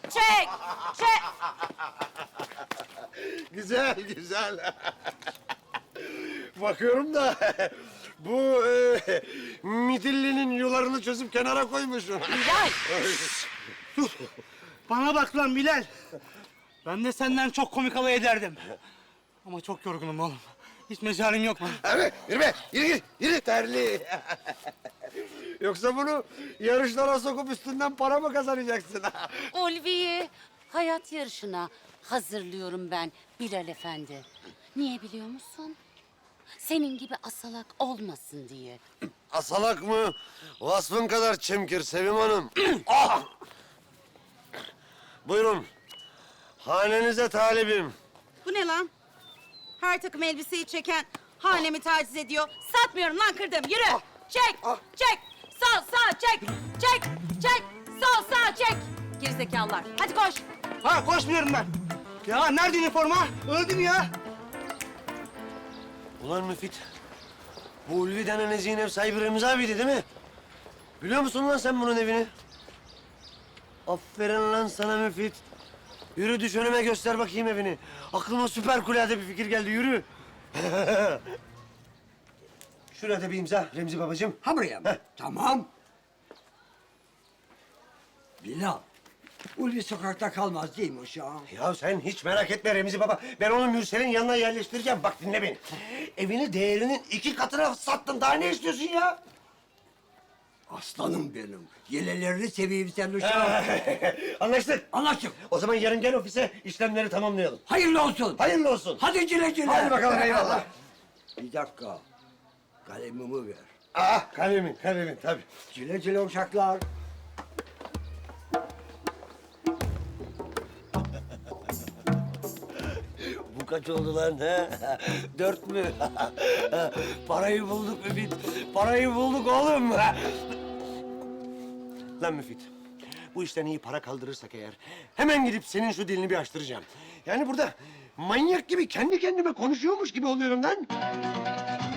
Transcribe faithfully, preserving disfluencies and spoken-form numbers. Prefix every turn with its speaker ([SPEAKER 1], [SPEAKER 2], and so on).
[SPEAKER 1] çek, çek.
[SPEAKER 2] Güzel, güzel. Bakıyorum da bu e, midillinin yularını çözüp kenara koymuşsun.
[SPEAKER 1] Bilal.
[SPEAKER 3] Dur. Bana bak lan Bilal. Ben de senden çok komik alay ederdim. Ama çok yorgunum oğlum. Hiç mecalim yok lan.
[SPEAKER 2] Abi yürü be, yürü yürü, yürü terli. Yoksa bunu yarışlara sokup üstünden para mı kazanacaksın?
[SPEAKER 1] Ulvi'yi hayat yarışına hazırlıyorum ben Bilal Efendi. Niye biliyor musun? Senin gibi asalak olmasın diye.
[SPEAKER 2] Asalak mı? Vasfın kadar çemkir Sevim Hanım. Ah! Buyurun. Hanenize talibim.
[SPEAKER 4] Bu ne lan? Her takım elbiseyi çeken hanemi taciz ediyor. Satmıyorum lan, kırdım. Yürü. Çek, çek. Sol, sağ, çek. Çek, çek. Sol, sağ, çek. Gerizekalılar. Hadi koş.
[SPEAKER 3] Ha koşmuyorum ben. Ya nerede üniforma? Öldüm ya.
[SPEAKER 2] Ulan Müfit. Bu Ulvi denen eziğin ev sahibi Remzi abiydi değil mi? Biliyor musun lan sen bunun evini? Aferin lan sana Müfit. Yürü düş önüme göster bakayım evini. Aklıma süper kulade bir fikir geldi yürü. Şurada bir imza Remzi babacığım.
[SPEAKER 5] Ha buraya mı? Tamam. Bilal, Ulvi sokakta kalmaz değil mi uşağım?
[SPEAKER 2] Ya sen hiç merak etme Remzi baba. Ben onu Mürsel'in yanına yerleştireceğim. Bak dinle beni. Evini değerinin iki katına sattın. Daha ne istiyorsun ya?
[SPEAKER 5] Aslanım benim. Yelelerini seveyim sen uşağım.
[SPEAKER 2] Anlaştık.
[SPEAKER 5] Anlaştık.
[SPEAKER 2] O zaman yarın gel ofise işlemleri tamamlayalım.
[SPEAKER 5] Hayırlı olsun.
[SPEAKER 2] Hayırlı olsun.
[SPEAKER 5] Hadi güle güle.
[SPEAKER 2] Hadi bakalım eyvallah.
[SPEAKER 5] Bir dakika. Kalemimi ver.
[SPEAKER 2] Ah kalemin kalemin tabii.
[SPEAKER 5] Güle güle uşaklar.
[SPEAKER 2] Bu kaç oldu lan ha? Dört mü? Parayı bulduk Müfit. Parayı bulduk oğlum. Lan Müfit. Bu işten iyi para kaldırırsak eğer hemen gidip senin şu dilini bir açtıracağım. Yani burada manyak gibi kendi kendime konuşuyormuş gibi oluyorum lan.